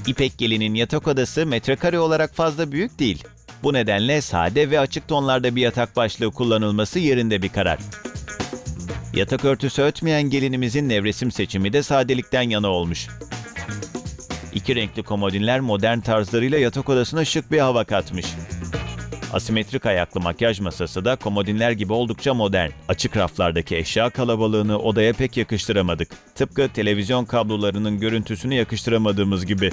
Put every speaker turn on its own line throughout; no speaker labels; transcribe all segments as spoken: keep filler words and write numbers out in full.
İpek Gelin'in yatak odası metrekare olarak fazla büyük değil. Bu nedenle sade ve açık tonlarda bir yatak başlığı kullanılması yerinde bir karar. Yatak örtüsü ötmeyen gelinimizin nevresim seçimi de sadelikten yana olmuş. İki renkli komodinler modern tarzlarıyla yatak odasına şık bir hava katmış. Asimetrik ayaklı makyaj masası da komodinler gibi oldukça modern. Açık raflardaki eşya kalabalığını odaya pek yakıştıramadık. Tıpkı televizyon kablolarının görüntüsünü yakıştıramadığımız gibi.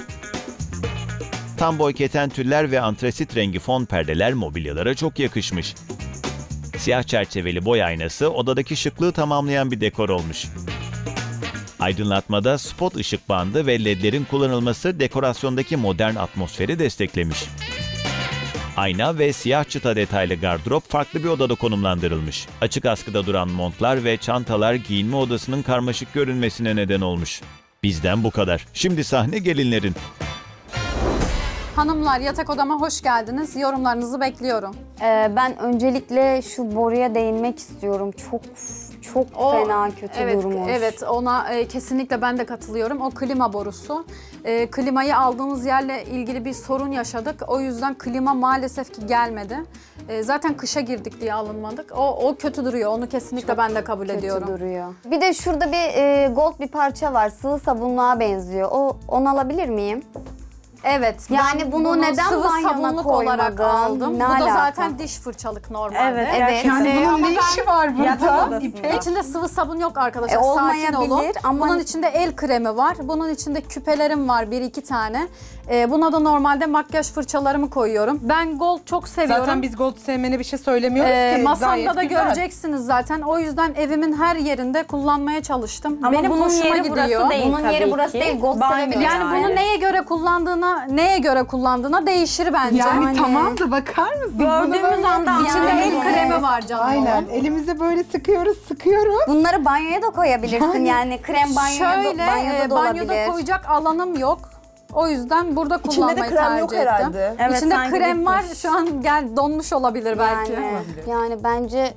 Tam boy keten tüller ve antresit rengi fon perdeler mobilyalara çok yakışmış. Siyah çerçeveli boy aynası odadaki şıklığı tamamlayan bir dekor olmuş. Aydınlatmada spot ışık bandı ve ledlerin kullanılması dekorasyondaki modern atmosferi desteklemiş. Ayna ve siyah çıta detaylı gardırop farklı bir odada konumlandırılmış. Açık askıda duran montlar ve çantalar giyinme odasının karmaşık görünmesine neden olmuş. Bizden bu kadar. Şimdi sahne gelinlerin.
Hanımlar, yatak odama hoş geldiniz. Yorumlarınızı bekliyorum.
Ee, ben öncelikle şu boruya değinmek istiyorum. Çok çok
O-
fena kötü
evet,
durmuş.
Evet, ona e, kesinlikle ben de katılıyorum. O klima borusu. E, klimayı aldığımız yerle ilgili bir sorun yaşadık. O yüzden klima maalesef ki gelmedi. E, zaten kışa girdik diye alınmadık. O, o kötü duruyor. Onu kesinlikle ben de kabul
Kötü
ediyorum.
duruyor. Bir de şurada bir e, gold bir parça var. Sıvı sabunluğa benziyor. O onu alabilir miyim?
Evet.
Yani
ben
bunu neden
sıvı
banyona
sabunluk olarak
koymadın?
aldım.
Ne
Bu da
alaka?
zaten diş fırçalık normalde.
Evet.
Evet.
Yani
Ee,
bunun
ama
ne
ben-
işi var burada?
Yatak odasında.
İpek.
İçinde sıvı sabun yok arkadaşlar.
E,
Sakin
olmayabilir
olun.
ama-
Bunun içinde el kremi var. Bunun içinde küpelerim var bir iki tane. Ee, buna da normalde makyaj fırçalarımı koyuyorum. Ben gold çok seviyorum.
Zaten biz gold sevmene bir şey söylemiyoruz
Ee,
ki.
masamda
Gayet
da
güzel.
göreceksiniz zaten. O yüzden evimin her yerinde kullanmaya çalıştım.
Ama
Benim
bunun
hoşuma
yeri
gidiyor.
burası değil.
Bunun yeri
tabii
burası
ki.
değil, gold
Banyo
sevebilir.
Yani bunu neye göre kullandığına, neye göre kullandığına değişir bence.
Yani,
Yani-
tamam da bakar mısın? Bunu
Gördüğümüz
böyle-
anda
İçinde
Yani-
el kremi var canım.
Aynen.
onun.
Elimize böyle sıkıyoruz, sıkıyoruz.
Bunları banyoya da koyabilirsin.
Yani-
Yani, krem banyoya
Şöyle
da, banyoda
e,
da
banyoda
olabilir.
koyacak alanım yok. O yüzden burada
İçinde de
kullanmayı
krem
tercih
yok
ettim.
herhalde.
Evet,
İçinde
sanki
krem var.
bitmiş.
Şu an gel donmuş olabilir belki.
Yani, yani bence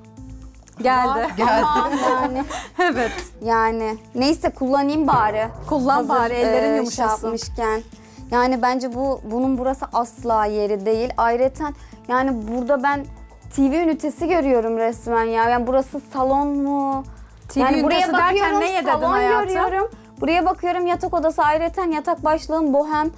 Geldi.
ama yani
Evet.
yani neyse kullanayım bari.
Kullan bari, ellerin
e,
yumuşasın.
şey yapmışken. Yani bence bu bunun burası asla yeri değil. Ayrıca yani burada ben T V ünitesi görüyorum resmen ya. Yani burası salon mu?
T V
yani
ünitesi derken neye dedin
salon
hayatım?
görüyorum. Buraya bakıyorum yatak odası ayrıca yatak başlığım bohem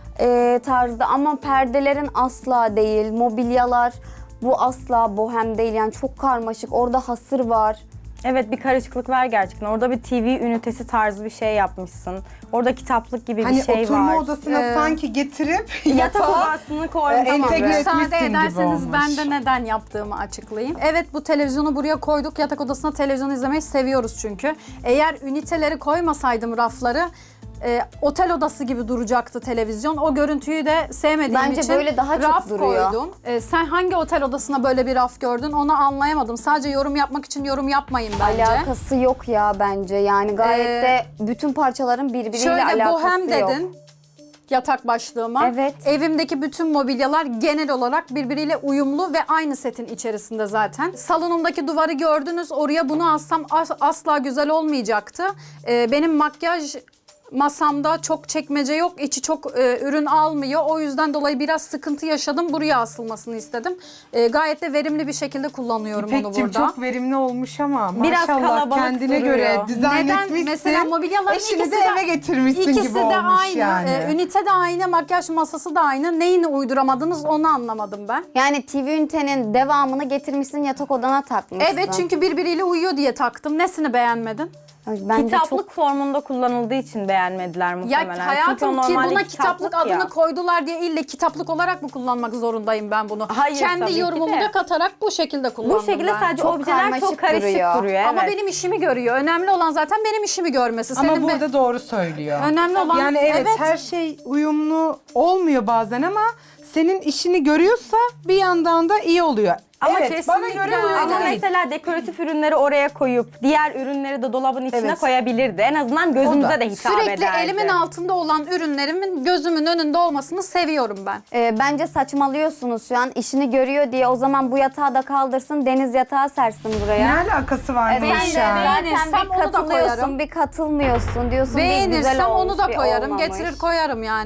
e, tarzda ama perdelerin asla değil. Mobilyalar bu asla bohem değil. Yani çok karmaşık. Orada hasır var.
Evet, bir karışıklık var gerçekten. Orada bir T V ünitesi tarzı bir şey yapmışsın. Orada kitaplık gibi
Hani
bir şey
oturma
var.
odasına
Ee,
sanki getirip
Yatak
yatağa
odasını koymuş.
e, entegre
Müsaade
etmişsin gibi
ederseniz
olmuş.
ben de neden yaptığımı açıklayayım. Evet, bu televizyonu buraya koyduk. Yatak odasına televizyon izlemeyi seviyoruz çünkü. Eğer üniteleri koymasaydım rafları e, otel odası gibi duracaktı televizyon. O görüntüyü de sevmediğim
Bence
için
böyle daha çok
raf
duruyor.
koydum. E, sen hangi otel odasına böyle bir raf gördün onu anlayamadım. Sadece yorum yapmak için yorum yapmayın bence.
Alakası yok ya bence. Yani gayet
Ee,
de bütün parçaların birbiriyle
Şöyle
alakası
bohem
yok.
dedin yatak başlığıma.
Evet.
Evimdeki bütün mobilyalar genel olarak birbiriyle uyumlu ve aynı setin içerisinde zaten. Salonumdaki duvarı gördünüz. Oraya bunu alsam as- asla güzel olmayacaktı. Ee, benim makyaj masamda çok çekmece yok. İçi çok e, ürün almıyor. O yüzden dolayı biraz sıkıntı yaşadım. Buraya asılmasını istedim. E, gayet de verimli bir şekilde kullanıyorum onu
İpek'cim
burada.
çok verimli olmuş ama
Biraz
maşallah
kalabalık
kendine
duruyor.
göre dizayn
Neden?
etmişsin.
Mesela mobilyaların
Eşini
ikisi
de
de-
eve getirmişsin
İkisi
gibi
de
olmuş
aynı.
yani.
Ee, ünite de aynı, makyaj masası da aynı. Neyini uyduramadınız onu anlamadım ben.
Yani T V ünitenin devamını getirmişsin yatak odana takmışsın.
Evet, çünkü birbiriyle uyuyor diye taktım. Nesini beğenmedin?
Ay, bence
Kitaplık
çok
formunda kullanıldığı için beğenmediler muhtemelen.
Ya
Çünkü
hayatım
o
ki
normalde
buna kitaplık,
ya.
adını koydular diye ille kitaplık olarak mı kullanmak zorundayım ben bunu?
Hayır, tabii
Kendi
ki
yorumumu
de.
da katarak bu şekilde kullandım
Bu şekilde
ben.
sadece
Çok
objeler çok
karmaşık
karışık
duruyor.
duruyor.
Ama
evet.
benim işimi görüyor. Önemli olan zaten benim işimi görmesi.
Ama
Senin be-
burada doğru söylüyor.
Önemli olan
Yani evet,
evet.
her şey uyumlu olmuyor bazen ama senin işini görüyorsa bir yandan da iyi oluyor.
Ama
evet, bana
kesinlikle
göre böyle
Ama
değil.
mesela dekoratif ürünleri oraya koyup diğer ürünleri de dolabın içine
Evet.
koyabilirdi. En azından gözümüze
O da.
de hitap
Sürekli
ederdi.
elimin altında olan ürünlerimin gözümün önünde olmasını seviyorum ben.
Ee, bence saçmalıyorsunuz şu an. İşini görüyor diye o zaman bu yatağı da kaldırsın, deniz yatağı sersin
Ne
buraya.
alakası var
E,
bu
sen de
işe? yani?
zaten
Beğenirsem
bir
onu da
katılıyorsun,
koyarım.
bir katılmıyorsun diyorsun. bir güzel
Beğenirsem
olmuş,
onu da
bir
koyarım.
olmamış.
Getirir koyarım yani.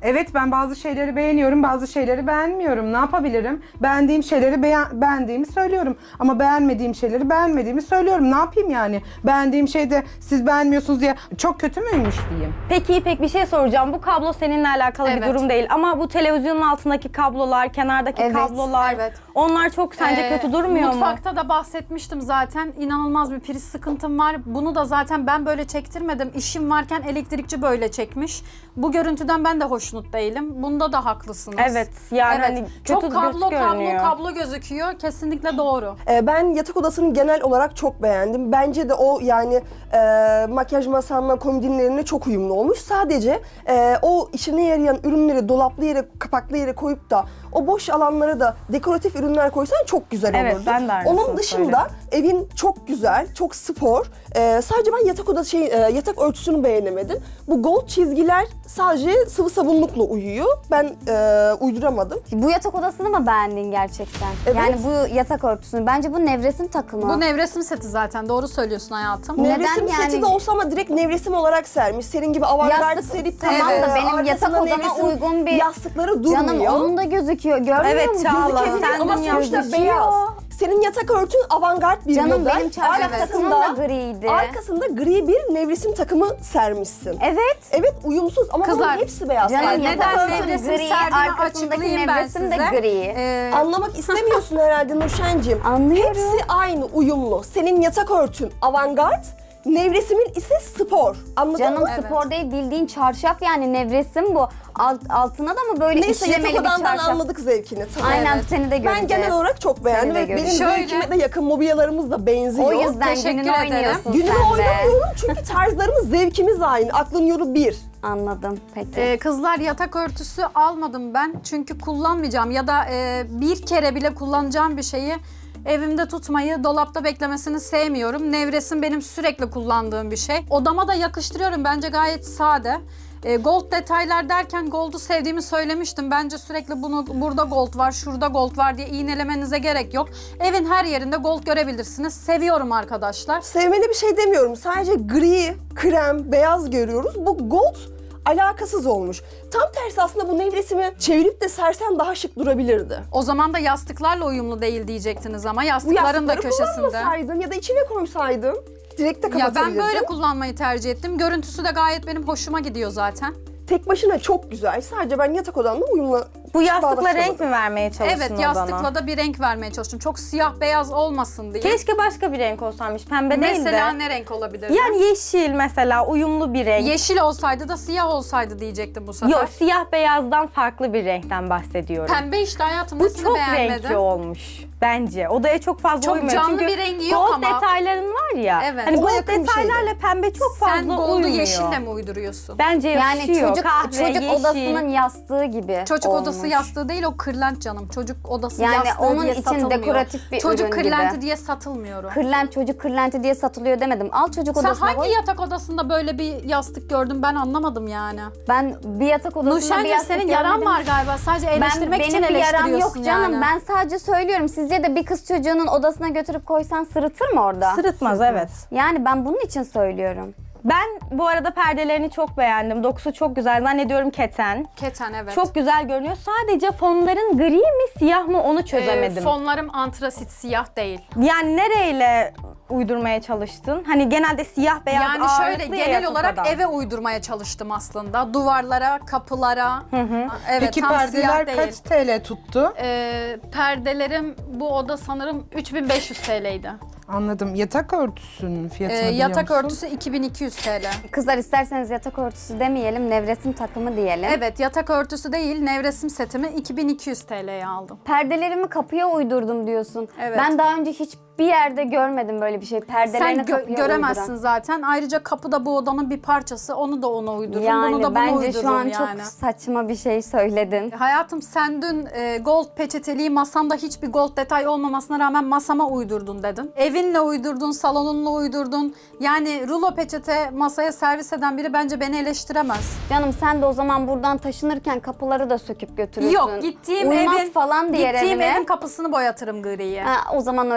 Evet, ben bazı şeyleri beğeniyorum, bazı şeyleri beğenmiyorum. Ne yapabilirim? Beğendiğim şeyleri beğen beğendiğimi söylüyorum. Ama beğenmediğim şeyleri beğenmediğimi söylüyorum. Ne yapayım yani? Beğendiğim şeyde siz beğenmiyorsunuz diye çok kötü müymüş diyeyim.
Peki İpek bir şey soracağım. Bu kablo seninle alakalı bir
Evet.
durum değil. Ama bu televizyonun altındaki kablolar, kenardaki
Evet,
kablolar
evet.
onlar çok sence
Ee,
kötü durmuyor mu?
Mutfakta da bahsetmiştim zaten. İnanılmaz bir priz sıkıntım var. Bunu da zaten ben böyle çektirmedim. İşim varken elektrikçi böyle çekmiş. Bu görüntüden ben de hoşnut değilim. Bunda da haklısınız.
Evet, yani
Evet.
hani
Çok
kötü
kablo
göz
kablo
görünüyor.
kablo gözüküyor. Kesinlikle doğru.
Ee, ben yatak odasını genel olarak çok beğendim. Bence de o yani e, makyaj masamla komodinlerine çok uyumlu olmuş. Sadece e, o işine yarayan ürünleri dolaplı yere, kapaklı yere koyup da o boş alanlara da dekoratif ürünler koysan çok güzel
Evet,
olurdu.
ben de aynısını
Onun dışında evin çok güzel, çok spor. Ee, sadece ben yatak odası şey, e, yatak örtüsünü beğenemedim. Bu gold çizgiler sadece sıvı sabunlukla uyuyor. Ben e, uyduramadım.
Bu yatak odasını mı beğendin gerçekten?
Evet.
Yani bu yatak örtüsünü. Bence bu nevresim takımı.
Bu nevresim seti zaten. Doğru söylüyorsun hayatım.
Neden
Nevresim
yani?
seti de olsa ama direkt nevresim olarak sermiş. Senin gibi avantgard
Yastık-
serip
tamam
da
e,
benim yatak
arkasına
odama
nevresim
uygun bir-
yastıkları durmuyor.
Canım onun da gözüküyor. Görmüyor
Evet,
musun?
Çağla,
Gözükebilir
sen
ama
dün
sonuçta
gözüküyor.
beyaz. Senin yatak örtün avantgard bir
Canım
model.
benim çarşaf
Arkasında-
takımım da griydi.
Arkasında gri bir nevresim takımı sermişsin.
Evet.
Evet, uyumsuz ama
Kızlar,
bunun hepsi beyaz.
Canım
Yani
yatak
neden
örtüm
nevresim
gri,
serdiğini
arkasındaki
açıklayayım ben
nevresim de
size.
gri.
Ee,
Anlamak istemiyorsun herhalde Nurşen'cim.
Anlıyorum.
Hepsi aynı, uyumlu. Senin yatak örtün avantgard, nevresimin ise spor. Anladın
Canım
mı?
spor değil bildiğin çarşaf yani nevresim bu. Alt, altına da mı böyle
Neyse,
işlemeli
yatak
bir
odandan
çarşaf?
anladık zevkini. Tamam.
Aynen
Evet.
seni de göreceğiz.
Ben genel olarak çok beğendim
Seni de
ve benim
göreceğiz.
Şöyle-
zevkime de yakın, mobilyalarımız da benziyor.
O yüzden
Teşekkür
gününü
ederim.
oynuyorsun
Günümü
sen de.
oynamıyorum çünkü tarzlarımız, zevkimiz aynı. Aklın yolu bir.
Anladım peki.
Ee, kızlar yatak örtüsü almadım ben çünkü kullanmayacağım ya da e, bir kere bile kullanacağım bir şeyi evimde tutmayı, dolapta beklemesini sevmiyorum. Nevresim benim sürekli kullandığım bir şey. Odama da yakıştırıyorum, bence gayet sade. E, gold detaylar derken gold'u sevdiğimi söylemiştim. Bence sürekli bunu burada gold var, şurada gold var diye iğnelemenize gerek yok. Evin her yerinde gold görebilirsiniz. Seviyorum arkadaşlar.
Sevmene bir şey demiyorum. Sadece gri, krem, beyaz görüyoruz. Bu gold alakasız olmuş. Tam tersi aslında bu nevresimi çevirip de sersen daha şık durabilirdi.
O zaman da yastıklarla uyumlu değil diyecektiniz ama
Bu
yastıkların da
yastıkları
köşesinde.
kullanmasaydın ya da içine koysaydın direkt de
Ya
kapatabilirdin.
ben böyle kullanmayı tercih ettim. Görüntüsü de gayet benim hoşuma gidiyor zaten.
Tek başına çok güzel. Sadece ben yatak odamla uyumlu.
Bu yastıkla
bağdaştıramadım.
renk mi vermeye çalıştın
Evet,
odana?
yastıkla da bir renk vermeye çalıştım. Çok siyah beyaz olmasın diye.
Keşke başka bir renk olsaymış, pembe değil de.
Mesela ne renk olabilir?
Yani yeşil mesela, uyumlu bir renk.
Yeşil olsaydı da siyah olsaydı diyecektim bu sefer.
Yok, siyah beyazdan farklı bir renkten bahsediyorum.
Pembe işte hayatım,
Bu
nesini
çok
beğenmedin?
renkli olmuş bence. Odaya çok fazla
Çok
uymuyor.
canlı
Çünkü
bir rengi yok
gold
ama.
detayların var ya.
Evet.
Hani
Ona
gold
yakın bir
detaylarla pembe çok fazla
Sen gold'u
uymuyor.
yeşille mi uyduruyorsun?
Bence
yani
yakışıyor.
çocuk
Kahve,
çocuk
yeşil.
odasının yastığı gibi
Çocuk
olmuş.
odası yastığı değil, o kırlent canım. Çocuk odası
Yani
yastığı
onun
diye
için
satılmıyor.
dekoratif bir
Çocuk
ürün
kırlenti
gibi.
diye satılmıyor o.
Kırlent çocuk kırlenti diye satılıyor demedim. Al çocuk
Sen
odasına
hangi
koy.
yatak odasında böyle bir yastık gördün, ben anlamadım yani.
Ben bir yatak odasında bir
Nurşen'cim
yastık
senin yaran
görmedim.
var galiba. Sadece
Ben,
eleştirmek için
benim bir yaram
eleştiriyorsun
yok canım.
yani.
Ben sadece söylüyorum. Sizce de bir kız çocuğunun odasına götürüp koysan sırıtır mı orada?
Sırıtmaz, evet.
Yani ben bunun için söylüyorum.
Ben bu arada perdelerini çok beğendim. Dokusu çok güzel. Zannediyorum keten.
Keten, evet.
Çok güzel görünüyor. Sadece fonların gri mi siyah mı onu
Ee,
çözemedim.
fonlarım antrasit, siyah değil.
Yani nereyle uydurmaya çalıştın? Hani genelde siyah beyaz
Yani şöyle
ağırlıklı ya
genel
yatak
olarak
odan.
eve uydurmaya çalıştım aslında. Duvarlara, kapılara. Evet,
Peki
tam
perdeler
siyah değil.
kaç T L tuttu?
Ee, perdelerim bu oda sanırım üç bin beş yüz T L'ydi.
Anladım. Yatak örtüsünün
Ee,
fiyatını biliyor
yatak
musun?
örtüsü iki bin iki yüz T L.
Kızlar isterseniz yatak örtüsü demeyelim, nevresim takımı diyelim.
Evet, yatak örtüsü değil, nevresim setimi iki bin iki yüz T L'ye aldım.
Perdelerimi kapıya uydurdum diyorsun.
Evet.
Ben daha önce hiçbir yerde görmedim böyle bir şey. Perdelerini
Sen gö-
kapıya
göremezsin
uyduran.
zaten. Ayrıca kapı da bu odanın bir parçası. Onu da ona uydururum,
Yani
bunu da buna
bence
uydururum
şu an
yani.
çok saçma bir şey söyledin.
Hayatım, sen dün e, gold peçeteliği masamda hiçbir gold detay olmamasına rağmen masama uydurdun dedin. Evinle uydurdun, salonunla uydurdun. Yani rulo peçete masaya servis eden biri bence beni eleştiremez.
Canım sen de o zaman buradan taşınırken kapıları da söküp götürürsün.
Yok, gittiğim
Uymaz
evin,
falan diğer
gittiğim
evine.
evin kapısını boyatırım griye.
Ha, o zaman öyle yaparsın.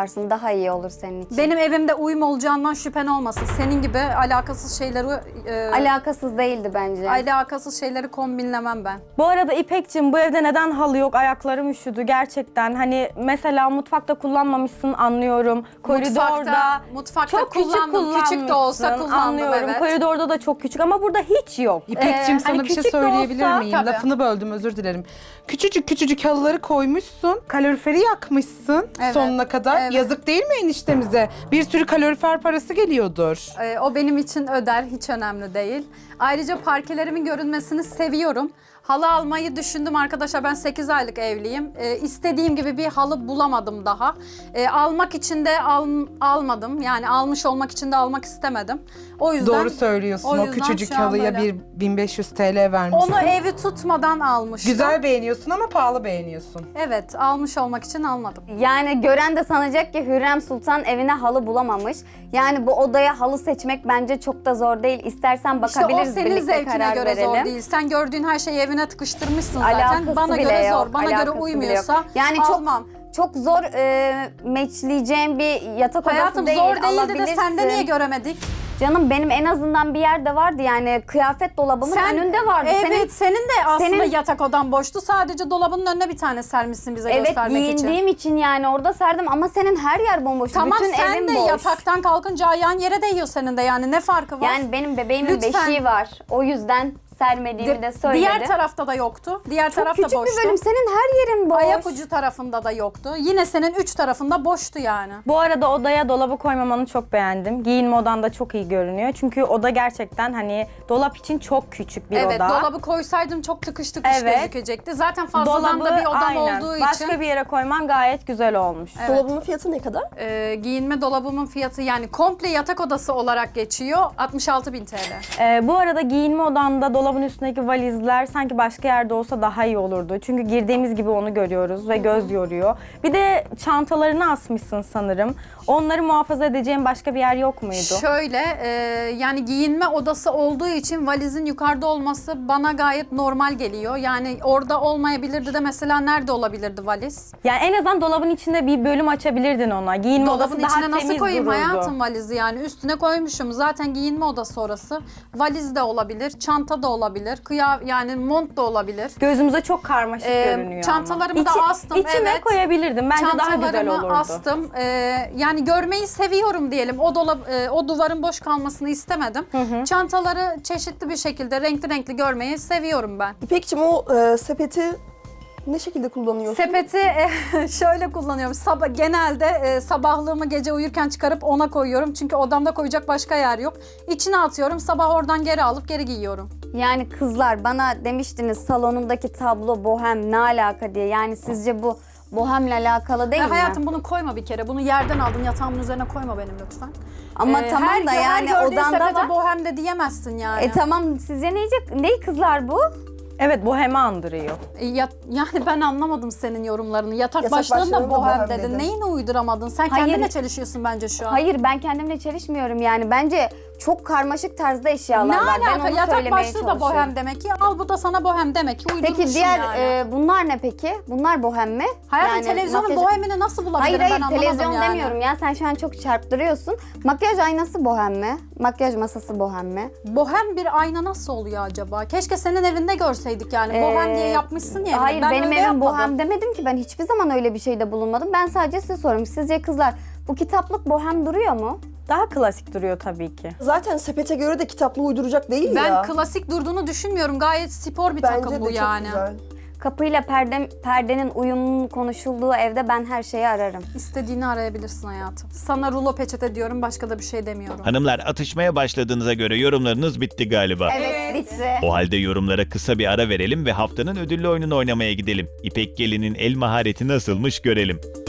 yaparsın. Daha iyi olur senin için.
Benim evimde uyum olacağından şüphen olmasın. Senin gibi alakasız şeyleri e,
Alakasız değildi bence.
alakasız şeyleri kombinlemem ben.
Bu arada İpek'cim bu evde neden halı yok? Ayaklarım üşüdü gerçekten. Hani mesela mutfakta kullanmamışsın anlıyorum. Koridorda
Mutfakta, mutfakta
çok küçük
kullandım. Küçük de olsa
kullanmışsın,
kullandım,
anlıyorum.
evet.
Koridorda da çok küçük ama burada hiç yok.
İpek'cim
Ee,
sana
hani
bir şey
küçük de
söyleyebilir
olsa-
miyim?
Tabii.
Lafını böldüm, özür dilerim. Küçücük küçücük halıları koymuşsun, kaloriferi yakmışsın
Evet,
sonuna kadar.
evet.
Yazık değil mi eniştemize? Bir sürü kalorifer parası geliyordur.
Ee, o benim için öder, hiç önemli değil. Ayrıca parkelerimin görünmesini seviyorum. Halı almayı düşündüm arkadaşlar. Ben sekiz aylık evliyim. Ee, istediğim gibi bir halı bulamadım daha. Ee, almak için de al, almadım. Yani almış olmak için de almak istemedim. O yüzden
Doğru söylüyorsun.
o
O,
yüzden
küçücük
şu an
halıya
böyle.
bir bin beş yüz T L vermişsin.
onu evi tutmadan almıştım.
Güzel beğeniyorsun ama pahalı beğeniyorsun.
Evet, almış olmak için almadım.
Yani gören de sanacak ki Hürrem Sultan evine halı bulamamış. Yani bu odaya halı seçmek bence çok da zor değil. İstersen
İşte o
bakabiliriz,
senin
birlikte
zevkine
karar
göre
verelim.
zor değil. Sen gördüğün her şeyi evine tıkıştırmışsın zaten.
Alakası
Bana
bile
göre
yok,
zor. Bana göre
alakası bile
uymuyorsa
yok. Yani çok
almam.
çok zor e, matchleyeceğim bir yatak odası
Hayatım
değil.
zor değildi de
alabilirsin.
sende niye göremedik?
Canım benim en azından bir yerde vardı yani kıyafet dolabımın önünde vardı.
Evet,
Senin
senin, de aslında
senin-
yatak odan boştu. Sadece dolabının önüne bir tane sermişsin bize
evet
göstermek için.
giyindiğim için yani orada serdim ama senin her yer bomboş.
Tamam,
Bütün
sen
evin
de
boş.
yataktan kalkınca ayağın yere değiyor senin de, yani ne farkı var?
Yani benim bebeğimin
Lütfen.
beşiği var. O yüzden sermediğimi de söyledim.
Diğer tarafta da yoktu. Diğer
Çok
taraf da
küçük
boştu.
bir bölüm. Senin her yerin boş.
Ayak ucu tarafında da yoktu. Yine senin üç tarafında boştu yani.
Bu arada odaya dolabı koymamanı çok beğendim. Giyinme odan da çok iyi görünüyor. Çünkü oda gerçekten hani dolap için çok küçük bir
Evet,
oda.
dolabı koysaydım çok tıkış tıkış
Evet.
gözükecekti. Zaten fazladan da bir odam
aynen.
olduğu
Başka
için.
bir yere koyman gayet güzel olmuş.
Evet.
Dolabının fiyatı ne kadar?
Ee, giyinme dolabımın fiyatı, yani komple yatak odası olarak geçiyor, altmış altı bin T L.
Ee, bu arada giyinme odanda dolabın üstündeki valizler sanki başka yerde olsa daha iyi olurdu. Çünkü girdiğimiz gibi onu görüyoruz ve göz yoruyor. Bir de çantalarını asmışsın sanırım. Onları muhafaza edeceğin başka bir yer yok muydu?
Şöyle, e, yani giyinme odası olduğu için valizin yukarıda olması bana gayet normal geliyor. Yani orada olmayabilirdi de mesela nerede olabilirdi valiz?
Yani en azından dolabın içinde bir bölüm açabilirdin ona. Giyinme
Dolabın
odası daha
içine nasıl
temiz
koyayım
dururdu.
hayatım valizi, yani üstüne koymuşum. Zaten giyinme odası orası. Valiz de olabilir, çanta da olabilir, kıya yani mont da olabilir.
Gözümüze çok karmaşık
Ee,
görünüyor
çantalarımı
ama.
da
İçi-
astım,
İçine
evet.
koyabilirdim. Bence daha güzel
Çantalarımı
olurdu.
astım. Ee, yani görmeyi seviyorum diyelim. O dolap, e, o duvarın boş kalmasını istemedim. Çantaları çeşitli bir şekilde renkli renkli görmeyi seviyorum ben.
İpekçim o e, sepeti ne şekilde kullanıyorsun?
Sepeti e, şöyle kullanıyorum. Sabah genelde e, sabahlığımı gece uyurken çıkarıp ona koyuyorum. Çünkü odamda koyacak başka yer yok. İçine atıyorum. Sabah oradan geri alıp geri giyiyorum.
Yani kızlar bana demiştiniz salonundaki tablo bohem ne alaka diye. Yani sizce bu bohemle alakalı değil
E,
mi?
hayatım bunu koyma bir kere. Bunu yerden aldın, yatağımın üzerine koyma benim lütfen.
Ama
E,
tamam
her,
da yani
her gördüğün
odanda
sepete
var.
bohem de diyemezsin yani.
E tamam sizce neyecek? Ney kızlar bu?
Evet, bohemi andırıyor.
E, ya- yani ben anlamadım senin yorumlarını. Yatak,
Yatak
başlığında
başlığında
bohem
bohem
dedin.
dedin.
Neyini uyduramadın? Sen
Hayır.
kendinle çelişiyorsun bence şu an.
Hayır ben kendimle çelişmiyorum yani. Bence çok karmaşık tarzda eşyalar
Ne
var. Ben
alaka?
onu
Yatak
söylemeye
başlığı da
çalışıyorum.
bohem demek ki. Al bu da sana bohem demek ki. Uydurmuşsun
Peki diğer
yani.
e, bunlar ne peki? Bunlar bohem mi?
Hayatım
Yani
televizyonun
makyaj-
bohemini nasıl bulabilirim
Hayır
ben
hayır
anlamadım
televizyon
yani.
demiyorum ya sen şu an çok çarptırıyorsun. Makyaj aynası bohem mi? Makyaj masası bohem mi?
Bohem bir ayna nasıl oluyor acaba? Keşke senin evinde görseydik yani. Bohem
Ee,
diye yapmışsın ya. evine.
Hayır
Ben
benim
öyle
evim
yapmadım.
bohem demedim ki ben hiçbir zaman öyle bir şeyde bulunmadım. Ben sadece size soruyorum. Sizce kızlar bu kitaplık bohem duruyor mu?
Daha klasik duruyor tabii ki.
Zaten sepete göre de kitaplığı uyduracak değil
Ben
ya.
klasik durduğunu düşünmüyorum. Gayet spor bir
Bence
takım
de
bu
çok
yani.
güzel.
Kapıyla perde, perdenin uyumunun konuşulduğu evde ben her şeyi ararım.
İstediğini arayabilirsin hayatım. Sana rulo peçete diyorum, başka da bir şey demiyorum.
Hanımlar, atışmaya başladığınıza göre yorumlarınız bitti galiba.
Evet, bitti.
O halde yorumlara kısa bir ara verelim ve haftanın ödüllü oyununu oynamaya gidelim. İpek Gelin'in el mahareti nasılmış görelim.